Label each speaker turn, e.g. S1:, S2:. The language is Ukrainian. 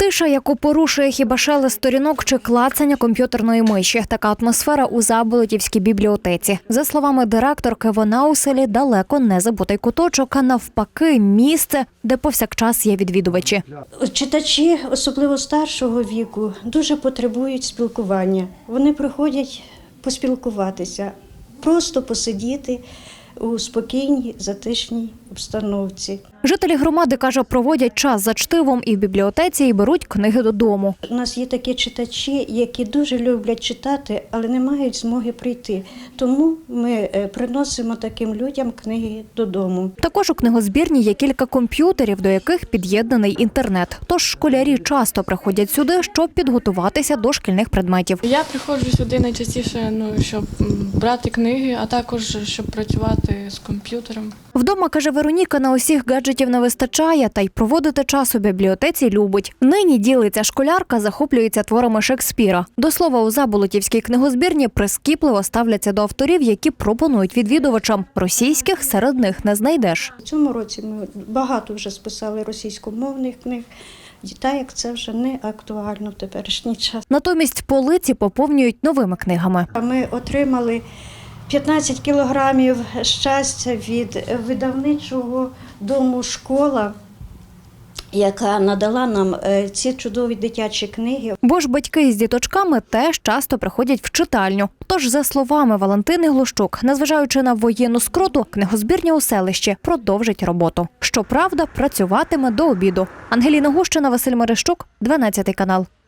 S1: Тиша, яку порушує хіба шелест сторінок чи клацання комп'ютерної миші. Така атмосфера у Заболотівській бібліотеці. За словами директорки, вона у селі далеко не забутий куточок, а навпаки місце, де повсякчас є відвідувачі.
S2: Читачі, особливо старшого віку, дуже потребують спілкування. Вони приходять поспілкуватися, просто посидіти у спокійній, затишній обстановці.
S1: Жителі громади, каже, проводять час за чтивом і в бібліотеці, і беруть книги додому.
S2: У нас є такі читачі, які дуже люблять читати, але не мають змоги прийти. Тому ми приносимо таким людям книги додому.
S1: Також у книгозбірні є кілька комп'ютерів, до яких під'єднаний інтернет. Тож школярі часто приходять сюди, щоб підготуватися до шкільних предметів.
S3: Я приходжу сюди найчастіше, щоб брати книги, а також щоб працювати з комп'ютером.
S1: Вдома, каже Вероніка, на усіх гаджетів не вистачає, та й проводити час у бібліотеці любить. Нині, ділиться школярка, захоплюється творами Шекспіра. До слова, у Заболотівській книгозбірні прискіпливо ставляться до авторів, які пропонують відвідувачам. Російських серед них не знайдеш.
S2: У цьому році ми багато вже списали російськомовних книг. Та як це вже не актуально в теперішній час.
S1: Натомість полиці поповнюють новими книгами.
S2: Ми отримали 15 кілограмів щастя від видавничого дому «Школа», яка надала нам ці чудові дитячі книги.
S1: Бо ж батьки з діточками теж часто приходять в читальню. Тож, за словами Валентини Глущук, незважаючи на воєнну скруту, книгозбірня у селищі продовжить роботу. Щоправда, працюватиме до обіду. Ангеліна Гущина, Василь Мерещук, 12 канал.